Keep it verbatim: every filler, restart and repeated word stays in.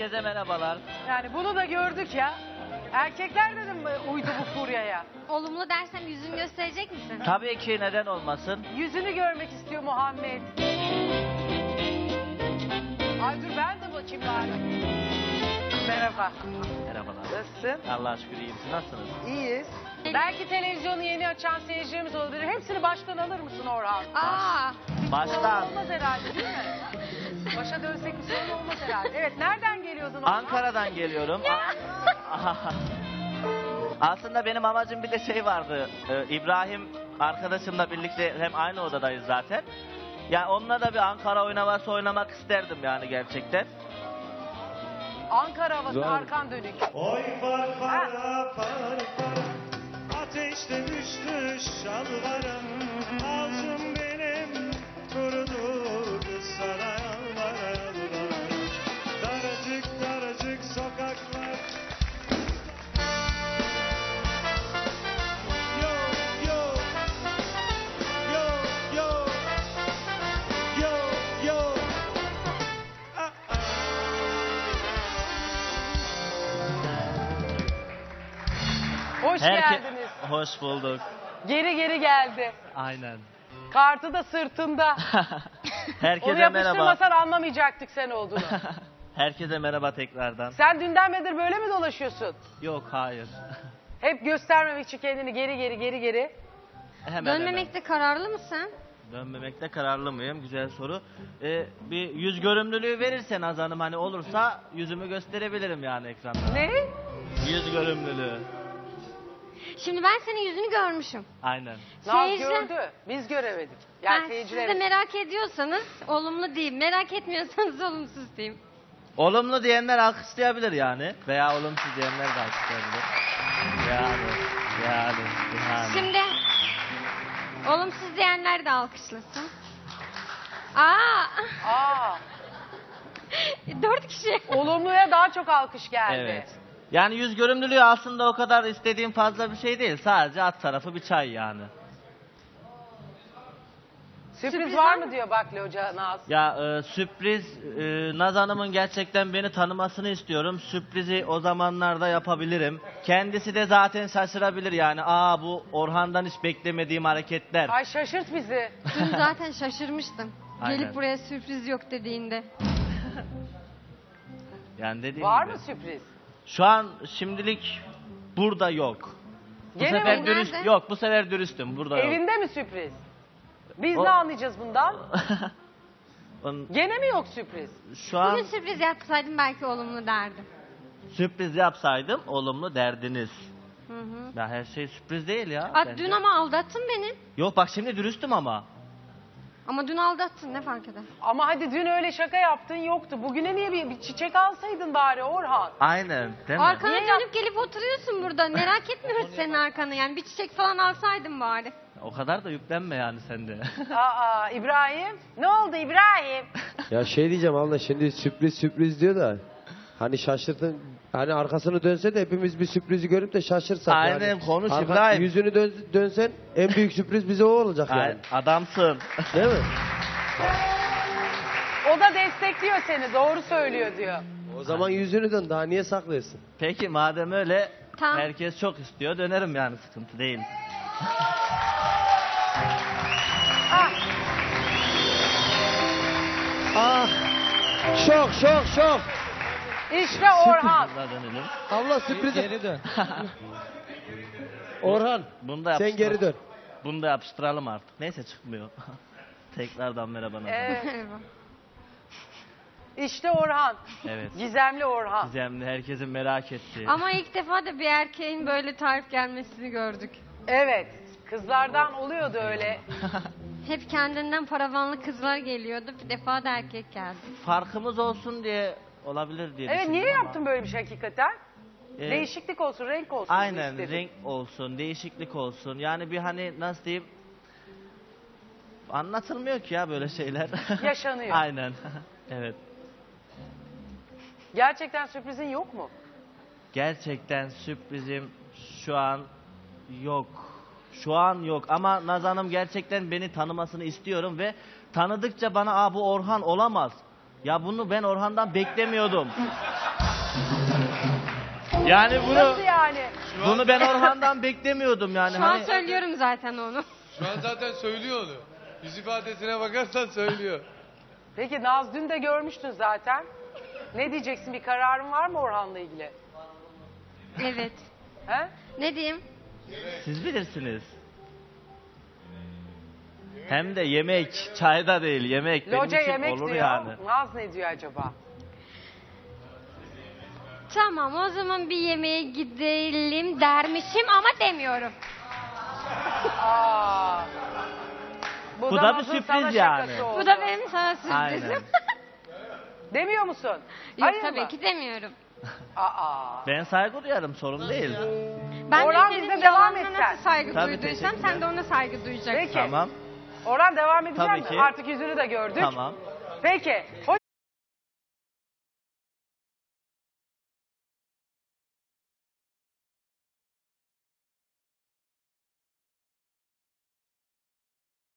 Herkese merhabalar. Yani bunu da gördük ya. Erkekler dedim uydu bu furyaya. Olumlu dersem yüzünü gösterecek misin? Tabii ki, neden olmasın? Yüzünü görmek istiyor Muhammed. Ay dur ben de bakayım bari. Merhaba. Merhabalar. Nasılsın? Allah'a şükür iyiyim. Siz nasılsınız? İyiyiz. Belki televizyonu yeni açan seyircilerimiz olabilir. Hepsini baştan alır mısın Orhan? Aa, Baştan. Olmaz herhalde değil mi? Başa dönsek bir sorun olmaz herhalde. Evet, nereden geliyordun Orhan? Ankara'dan geliyorum. Aslında benim amacım bir de şey vardı. Ee, İbrahim arkadaşımla birlikte hem aynı odadayız zaten. Yani onunla da bir Ankara oynaması oynamak isterdim yani gerçekten. Ankara havası, Güzel. arkan dönük. Oy far fara far fara, ateşte düştü şalvarım. Ağzım benim kurudu kız sana yalvara yalvara. Daracık daracık sokaklar. Yo yo yo yo yo yo. Ah, ah. Hoş Herke- geldiniz. Hoş bulduk. Geri geri geldi. Aynen. Kartı da sırtında. Onu Herkese merhaba. yapıştırmasan anlamayacaktık sen olduğunu. Herkese merhaba tekrardan. Sen dünden beridir böyle mi dolaşıyorsun? Yok, hayır. Hep göstermemek için kendini geri geri geri geri. Hemen dönmemekte kararlı mısın? hemen. Dönmemekte kararlı mıyım? Güzel soru. Ee, bir yüz görümlülüğü verirsen Azan'ım, hani olursa yüzümü gösterebilirim yani ekranda. Ne? Yüz görümlülüğü. Şimdi ben senin yüzünü görmüşüm. Aynen. Naz Seyirciler- gördü. Biz göremedik. Yani Yani siz de seyircilerimiz. merak ediyorsanız olumlu diyeyim. Merak etmiyorsanız olumsuz diyeyim. Olumlu diyenler alkışlayabilir yani. Veya olumsuz diyenler de alkışlayabilir. Yani, yani, yani. Şimdi olumsuz diyenler de alkışlasın. Aa, Aa, dört kişi. olumluya daha çok alkış geldi. Evet. Yani yüz görümlülüğü aslında o kadar istediğim fazla bir şey değil. Sadece alt tarafı bir çay yani. Sürpriz, Sürpriz var var mı mı? diyor Bakli Hoca Naz. Ya e, sürpriz, e, Naz Hanım'ın gerçekten beni tanımasını istiyorum. Sürprizi o zamanlarda yapabilirim. Kendisi de zaten şaşırabilir yani. Aa, bu Orhan'dan hiç beklemediğim hareketler. Ay şaşırt bizi. Dün zaten şaşırmıştım. Aynen. Gelip buraya sürpriz yok dediğinde. Yani dediğim Var gibi. mı sürpriz? Şu an şimdilik burada yok. Bu Gene sefer mi? dürüst Nerede? yok. Bu sefer dürüstüm. Burada yok. Evinde mi sürpriz? Biz O- ne anlayacağız bundan? Onun- Gene mi yok sürpriz? Şu an Bugün sürpriz yapsaydım belki olumlu derdim. sürpriz yapsaydım olumlu derdiniz. Hı hı. Ya her şey sürpriz değil ya. Aa, bence. dün ama aldattın beni. Yok bak, şimdi dürüstüm ama. Ama dün aldattın, ne fark eder? Ama hadi dün öyle şaka yaptın yoktu. Bugüne niye bir, bir çiçek alsaydın bari Orhan? Aynen, değil mi? Arkana Niye dönüp gelip oturuyorsun burada. Merak etmiyoruz senin arkanı yani. Bir çiçek falan alsaydın bari. O kadar da yüklenme yani sen de. Aa İbrahim. Ne oldu İbrahim? Ya şey diyeceğim abla, şimdi sürpriz sürpriz diyor da hani şaşırtın, hani arkasını dönse de hepimiz bir sürprizi görüp de şaşırsak. Aynen, yani. konuş Arka- İbrahim. Yüzünü dön, dönsen en büyük sürpriz bize o olacak yani. Ay, adamsın. Değil mi? O da destekliyor seni. Doğru söylüyor diyor. O zaman yüzünü dön, daha niye saklıyorsun? Peki madem öyle, Tamam. herkes çok istiyor, dönerim yani, sıkıntı değil. Ah, Ah! Şok şok şok! işte Orhan. Buna dönelim. Abla sürprizi. Geri dön. Orhan, Bunu da sen yapıştır- geri dön. Bunu da yapıştıralım artık. Neyse, çıkmıyor. Tekrardan merhaba Naz Hanım. Ee, işte Orhan. Evet. Gizemli Orhan. Gizemli, herkesin merak ettiği. Ama ilk defa da bir erkeğin böyle tarif gelmesini gördük. Evet. Kızlardan oluyordu öyle. Hep kendinden paravanlı kızlar geliyordu. Bir defa da erkek geldi. Farkımız olsun diye olabilir diye Evet, düşündüm niye ama. yaptın böyle bir şey hakikaten? Ee, Değişiklik olsun, renk olsun. diye Aynen, istedim. renk olsun, değişiklik olsun. Yani bir hani nasıl diyeyim, anlatılmıyor ki ya böyle şeyler. Yaşanıyor. Aynen. Evet. Gerçekten sürprizin yok mu? Gerçekten sürprizim şu an yok. Şu an yok ama Naz Hanım gerçekten beni tanımasını istiyorum ve tanıdıkça bana, aa bu Orhan olamaz. Ya bunu ben Orhan'dan beklemiyordum. Yani bunu Nasıl yani? bunu ben Orhan'dan beklemiyordum yani. Şu an Hani söylüyorum zaten onu. Şu an zaten söylüyor onu. Yüz ifadesine bakarsan söylüyor. Peki Naz dün de görmüştün zaten. Ne diyeceksin? Bir kararın var mı Orhan'la ilgili? Evet. He? Ne diyeyim? siz bilirsiniz. Hem de yemek, çayda değil yemek. Benim Loca için yemek olur diyor. yani. Naz ne diyor acaba? Tamam o zaman bir yemeğe gidelim dermişim ama demiyorum. Aa. Bu da bir Naz'ın sürpriz sana yani. şakası oldu. Bu da benim sana Aynen. sürprizim. Demiyor musun? Yok Hayır tabii mı? ki demiyorum. Aa. Ben saygı duyarım, sorun değil. Ben Orhan, de bize senin devam yalanına et sen. nasıl saygı Tabii, duyduysam teşekkürler. sen de ona saygı duyacaksın. Peki. Tamam, Orhan devam edeceğim Tabii mi? ki. Artık yüzünü de gördük. tamam. Peki. Hoş